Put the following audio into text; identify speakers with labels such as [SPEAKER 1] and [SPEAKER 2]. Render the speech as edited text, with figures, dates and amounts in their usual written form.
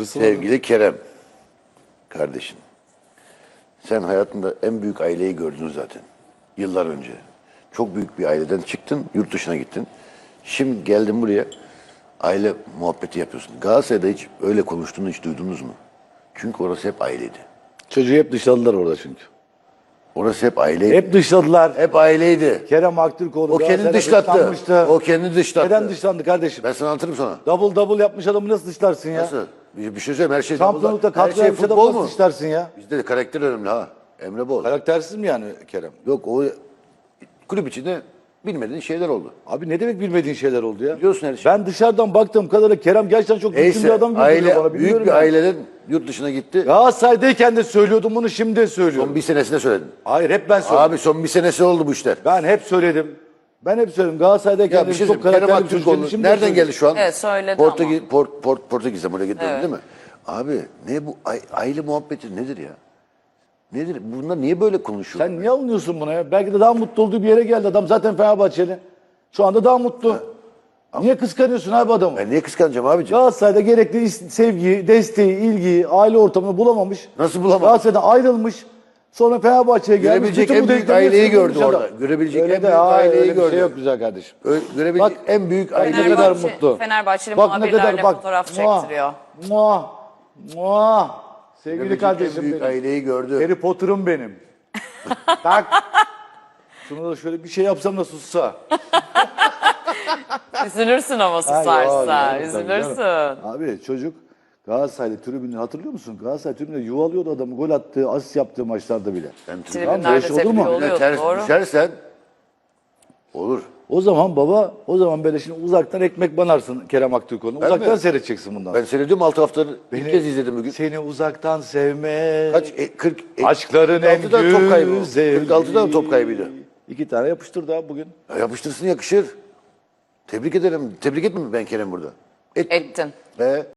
[SPEAKER 1] Sevgili Kerem, kardeşim. Sen hayatında en büyük aileyi gördün zaten. Yıllar önce. Çok büyük bir aileden çıktın, yurt dışına gittin. Şimdi geldin buraya, aile muhabbeti yapıyorsun. Galatasaray'da hiç öyle konuştuğunu hiç duydunuz mu? Çünkü orası hep aileydi.
[SPEAKER 2] Çocuğu hep dışladılar orada çünkü.
[SPEAKER 1] Orası hep aileydi.
[SPEAKER 2] Hep dışladılar.
[SPEAKER 1] Hep aileydi.
[SPEAKER 2] Kerem Aktürkoğlu
[SPEAKER 1] O kendini
[SPEAKER 2] Galatasaray'da
[SPEAKER 1] dışlattı.
[SPEAKER 2] dışlanmıştı.
[SPEAKER 1] O kendini dışlattı.
[SPEAKER 2] Neden dışlandı kardeşim?
[SPEAKER 1] Ben sana anlatırım sonra.
[SPEAKER 2] Double yapmış adamı nasıl dışlarsın ya?
[SPEAKER 1] Nasıl? Bir şey söyleyeyim, her şey
[SPEAKER 2] Şampiyonlukta
[SPEAKER 1] her
[SPEAKER 2] kadro
[SPEAKER 1] şey
[SPEAKER 2] yapmış adamı
[SPEAKER 1] futbol
[SPEAKER 2] nasıl
[SPEAKER 1] mu?
[SPEAKER 2] dışlarsın ya?
[SPEAKER 1] Bizde de karakter önemli ha. Emre Bol.
[SPEAKER 2] Karaktersiz mi yani Kerem?
[SPEAKER 1] Yok, o kulüp içinde bilmediğin şeyler oldu.
[SPEAKER 2] Abi ne demek bilmediğin şeyler oldu ya?
[SPEAKER 1] Biliyorsun her şeyi.
[SPEAKER 2] Ben dışarıdan baktığım kadarıyla Kerem gerçekten çok düzgün bir
[SPEAKER 1] Neyse,
[SPEAKER 2] adam görünüyor
[SPEAKER 1] aile,
[SPEAKER 2] bana.
[SPEAKER 1] büyük
[SPEAKER 2] Bilmiyorum
[SPEAKER 1] bir
[SPEAKER 2] ya.
[SPEAKER 1] aileden yurt dışına gitti.
[SPEAKER 2] Galatasaray'dayken de söylüyordum bunu, şimdi de söylüyorum.
[SPEAKER 1] Son bir senesinde söyledin.
[SPEAKER 2] Hayır, hep ben söyledim.
[SPEAKER 1] Abi son bir senesi oldu bu işler.
[SPEAKER 2] Ben hep söyledim. Ben hep söyledim. Galatasaray'dayken
[SPEAKER 1] Ya bir
[SPEAKER 2] de
[SPEAKER 1] şey
[SPEAKER 2] çok
[SPEAKER 1] söyleyeyim. Kerem
[SPEAKER 2] karakterli bir çocuk
[SPEAKER 1] Aktürkoğlu
[SPEAKER 2] dedim, şimdi de
[SPEAKER 1] nereden
[SPEAKER 2] söylüyorum.
[SPEAKER 1] geldi şu an?
[SPEAKER 3] Evet, söyledi
[SPEAKER 1] Portekiz'den buraya gitti
[SPEAKER 3] Evet.
[SPEAKER 1] değil mi? Abi ne bu aile muhabbeti nedir ya? Nedir? Bunlar niye böyle konuşuyor?
[SPEAKER 2] Sen niye alınıyorsun buna ya? Belki de daha mutlu olduğu bir yere geldi adam. Zaten Fenerbahçeli. Şu anda daha mutlu. Niye kıskanıyorsun abi adamı?
[SPEAKER 1] Ben niye kıskanacağım abiciğim?
[SPEAKER 2] Galatasaray'da gerekli sevgiyi, desteği, ilgiyi, aile ortamını bulamamış.
[SPEAKER 1] Nasıl bulamamış?
[SPEAKER 2] Galatasaray'dan ayrılmış. Sonra Fenerbahçe'ye gelmiş.
[SPEAKER 1] Görebilecek
[SPEAKER 2] Bütün
[SPEAKER 1] en
[SPEAKER 2] bu
[SPEAKER 1] büyük
[SPEAKER 2] denklemleri
[SPEAKER 1] aileyi
[SPEAKER 2] sürüklüyor
[SPEAKER 1] gördü
[SPEAKER 2] dışarıda.
[SPEAKER 1] orada. Görebilecek
[SPEAKER 2] Öyle
[SPEAKER 1] en
[SPEAKER 2] de,
[SPEAKER 1] büyük
[SPEAKER 2] hayır,
[SPEAKER 1] aileyi
[SPEAKER 2] öyle bir
[SPEAKER 1] gördü.
[SPEAKER 2] şey yok güzel kardeşim.
[SPEAKER 1] Görebilecek
[SPEAKER 2] Bak,
[SPEAKER 1] en büyük
[SPEAKER 2] bak ne
[SPEAKER 1] aileyi
[SPEAKER 2] kadar
[SPEAKER 1] gördü.
[SPEAKER 2] mutlu.
[SPEAKER 3] Fenerbahçeli
[SPEAKER 2] Bak ne
[SPEAKER 3] muhabirlerle
[SPEAKER 2] kadar bak.
[SPEAKER 3] fotoğraf çektiriyor.
[SPEAKER 2] Muah, muah. Sevgili
[SPEAKER 1] Görebilecek en
[SPEAKER 2] kardeşim
[SPEAKER 1] büyük
[SPEAKER 2] benim.
[SPEAKER 1] aileyi gördü.
[SPEAKER 2] Harry Potter'ım benim. Tak. Şunu da şöyle bir şey yapsam da sussa.
[SPEAKER 3] Üzülürsün ama
[SPEAKER 2] Ha,
[SPEAKER 3] susarsa.
[SPEAKER 2] ya,
[SPEAKER 3] Üzülürsün.
[SPEAKER 2] Abi çocuk Galatasaray'da tribünü hatırlıyor musun? Galatasaray tribünde yuvalıyordu adamı, gol attığı, asist yaptığı maçlarda bile.
[SPEAKER 3] Tribünlerde
[SPEAKER 2] Tamam, böyle şey olur mu?
[SPEAKER 3] tepki oluyor.
[SPEAKER 1] Ters
[SPEAKER 3] Doğru.
[SPEAKER 1] düşersen olur.
[SPEAKER 2] O zaman baba, o zaman böyle şimdi uzaktan ekmek banarsın Kerem Aktürkoğlu'nu. Uzaktan
[SPEAKER 1] mi?
[SPEAKER 2] seyredeceksin bundan.
[SPEAKER 1] Ben seyrediyorum 6 haftadır. İlk kez izledim bugün.
[SPEAKER 2] Seni uzaktan sevme.
[SPEAKER 1] Kaç? 40.
[SPEAKER 2] Aşkların en
[SPEAKER 1] 46'da top kaybı.
[SPEAKER 2] güzeli.
[SPEAKER 1] 46'da mı top kaybıydı?
[SPEAKER 2] 2 tane yapıştırdı abi bugün.
[SPEAKER 1] Ya yapıştırsın, yakışır. Tebrik ederim. Tebrik etmem mi ben Kerem burada?
[SPEAKER 3] Ettin.
[SPEAKER 1] Ve